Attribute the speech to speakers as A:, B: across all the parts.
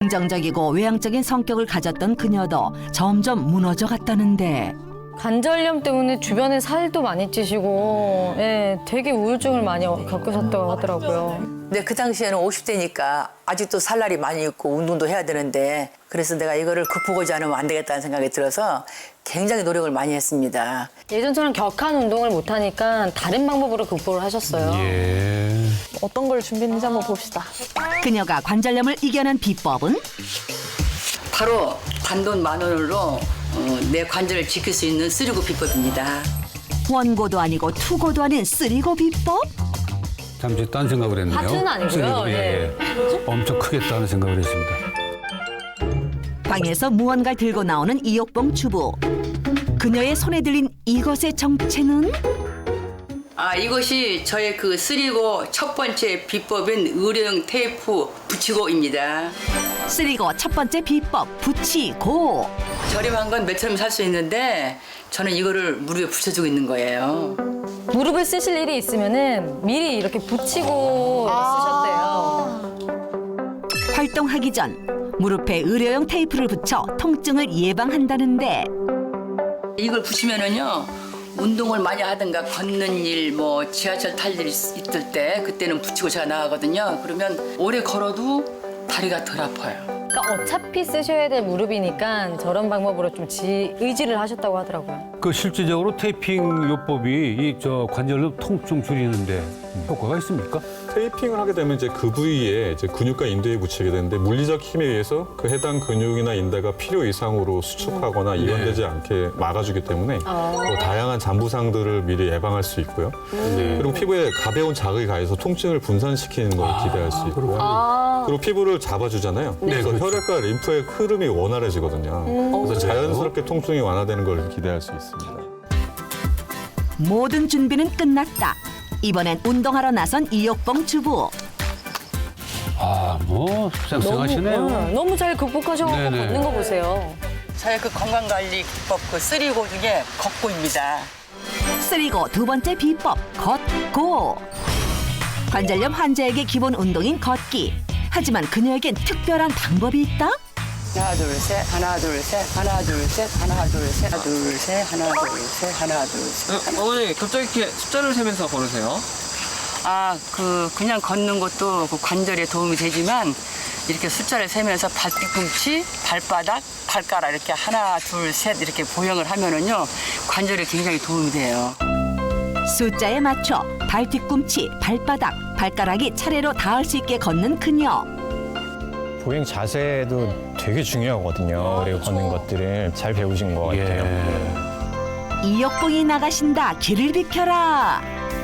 A: 긍정적이고 외향적인 성격을 가졌던 그녀도 점점 무너져 갔다는데
B: 관절염 때문에 주변에 살도 많이 찌시고 예, 되게 우울증을 많이 겪으셨다고 하더라고요.
C: 근데 그 당시에는 50대니까 아직도 살 날이 많이 있고 운동도 해야 되는데 그래서 내가 이거를 극복하지 않으면 안 되겠다는 생각이 들어서 굉장히 노력을 많이 했습니다.
B: 예전처럼 격한 운동을 못하니까 다른 방법으로 극복을 하셨어요.
D: 어떤 걸 준비했는지 한번 봅시다.
A: 그녀가 관절염을 이겨낸 비법은
C: 바로 단돈 10,000원으로 내 관절을 지킬 수 있는 쓰리고 비법입니다.
A: 원고도 아니고 투고도 아닌 쓰리고 비법?
E: 잠시 딴 생각을 했네요.
B: 하트는 아니고요.
E: 쓰리고, 예. 엄청 크겠다는 생각을 했습니다.
A: 방에서 무언가를 들고 나오는 이옥봉 주부. 그녀의 손에 들린 이것의 정체는?
C: 이것이 저의 그 쓰리고 첫 번째 비법인 의료용 테이프 붙이고입니다.
A: 쓰리고 첫 번째 비법 붙이고.
C: 저렴한 건 몇천원 살 수 있는데 저는 이거를 무릎에 붙여주고 있는 거예요.
B: 무릎을 쓰실 일이 있으면은 미리 이렇게 붙이고 쓰셨대요.
A: 활동하기 전 무릎에 의료용 테이프를 붙여 통증을 예방한다는데
C: 이걸 붙이면은요 운동을 많이 하든가 걷는 일, 뭐 지하철 탈 일이 있을 때 그때는 붙이고 제가 나가거든요. 그러면 오래 걸어도 다리가 덜 아파요.
B: 그러니까 어차피 쓰셔야 될 무릎이니까 저런 방법으로 좀 의지를 하셨다고 하더라고요.
E: 그 실질적으로 테이핑 요법이 이 관절염 통증 줄이는데 효과가 있습니까?
F: 테이핑을 하게 되면 이제 그 부위에 이제 근육과 인대에 붙이게 되는데 물리적 힘에 의해서 그 해당 근육이나 인대가 필요 이상으로 수축하거나 이완되지 않게 막아주기 때문에 또 다양한 잔부상들을 미리 예방할 수 있고요. 그리고 피부에 가벼운 자극이 가해서 통증을 분산시키는 걸 기대할 수 있고요. 그리고 피부를 잡아주잖아요. 그래서
E: 그렇죠.
F: 혈액과 림프의 흐름이 원활해지거든요. 그래서 자연스럽게 통증이 완화되는 걸 기대할 수 있습니다.
A: 모든 준비는 끝났다. 이번엔 운동하러 나선 이옥봉 주부.
E: 뭐 쌩쌩하시네요.
B: 너무 잘 극복하셔서
E: 네네.
B: 걷는 거 보세요.
C: 저의 그 건강관리 기법 그 쓰리고 중에 걷고입니다.
A: 쓰리고 두 번째 비법 걷고. 관절염 환자에게 기본 운동인 걷기. 하지만 그녀에겐 특별한 방법이 있다?
C: 하나 둘 셋, 하나 둘 셋, 하나 둘 셋, 하나 둘 셋, 하나 둘 셋, 하나 둘 셋, 하나 둘 셋.
G: 어머니 갑자기 이렇게 숫자를 세면서 걸으세요?
C: 그냥 걷는 것도 그 관절에 도움이 되지만 이렇게 숫자를 세면서 발 뒤꿈치, 발바닥, 발가락 이렇게 하나, 둘, 셋 이렇게 보형을 하면은요 관절에 굉장히 도움이 돼요.
A: 숫자에 맞춰 발 뒤꿈치, 발바닥, 발가락이 차례로 닿을 수 있게 걷는 그녀.
H: 보행 자세도 되게 중요하거든요. 그리고 걷는 것들을 잘 배우신 것 같아요.
A: 이옥봉이 나가신다. 길을 비켜라.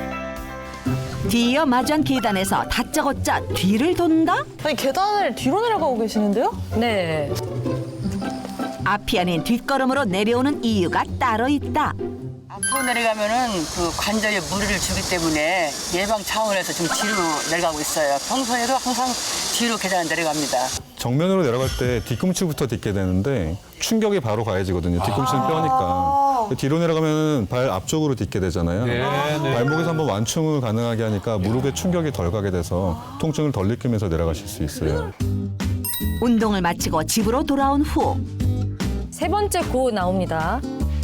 A: 뒤이어 마주한 계단에서 다짜고짜 뒤를 돈다?
D: 아니 계단을 뒤로 내려가고 계시는데요?
B: 네.
A: 앞이 아닌 뒷걸음으로 내려오는 이유가 따로 있다.
C: 앞으로 내려가면은 그 관절에 무리를 주기 때문에 예방 차원에서 좀 뒤로 내려가고 있어요. 평소에도 항상 뒤로 계단을 내려갑니다.
F: 정면으로 내려갈 때 뒤꿈치부터 딛게 되는데 충격이 바로 가해지거든요. 뒤꿈치는 뼈니까. 뒤로 내려가면 발 앞쪽으로 딛게 되잖아요. 발목에서 한번 완충을 가능하게 하니까 무릎에 충격이 덜 가게 돼서 통증을 덜 느끼면서 내려가실 수 있어요.
A: 운동을 마치고 집으로 돌아온 후
B: 세 번째 고 나옵니다.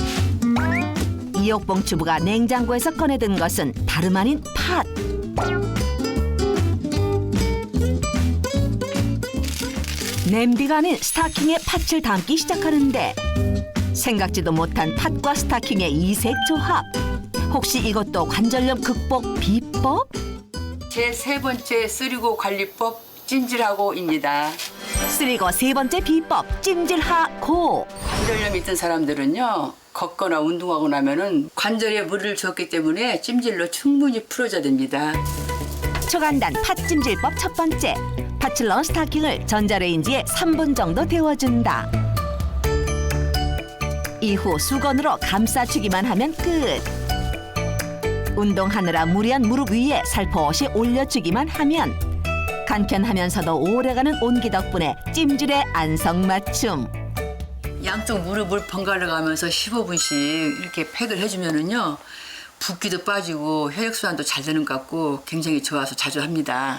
A: 이옥봉 주부가 냉장고에서 꺼내든 것은 다름 아닌 팥. 냄비가 아닌 스타킹에 팥을 담기 시작하는데 생각지도 못한 팥과 스타킹의 이색 조합. 혹시 이것도 관절염 극복 비법?
C: 제 세 번째 쓰리고 관리법 찜질하고입니다.
A: 쓰리고 세 번째 비법 찜질하고.
C: 관절염이 있던 사람들은요 걷거나 운동하고 나면은 관절에 무리를 주었기 때문에 찜질로 충분히 풀어줘야 됩니다.
A: 초간단 팥찜질법 첫 번째. 팥을 넣은 스타킹을 전자레인지에 3분 정도 데워준다. 이후 수건으로 감싸주기만 하면 끝. 운동하느라 무리한 무릎 위에 살포시 올려주기만 하면 간편하면서도 오래가는 온기 덕분에 찜질의 안성맞춤.
C: 양쪽 무릎을 번갈아 가면서 15분씩 이렇게 팩을 해주면은요 붓기도 빠지고 혈액순환도 잘 되는 것 같고 굉장히 좋아서 자주 합니다.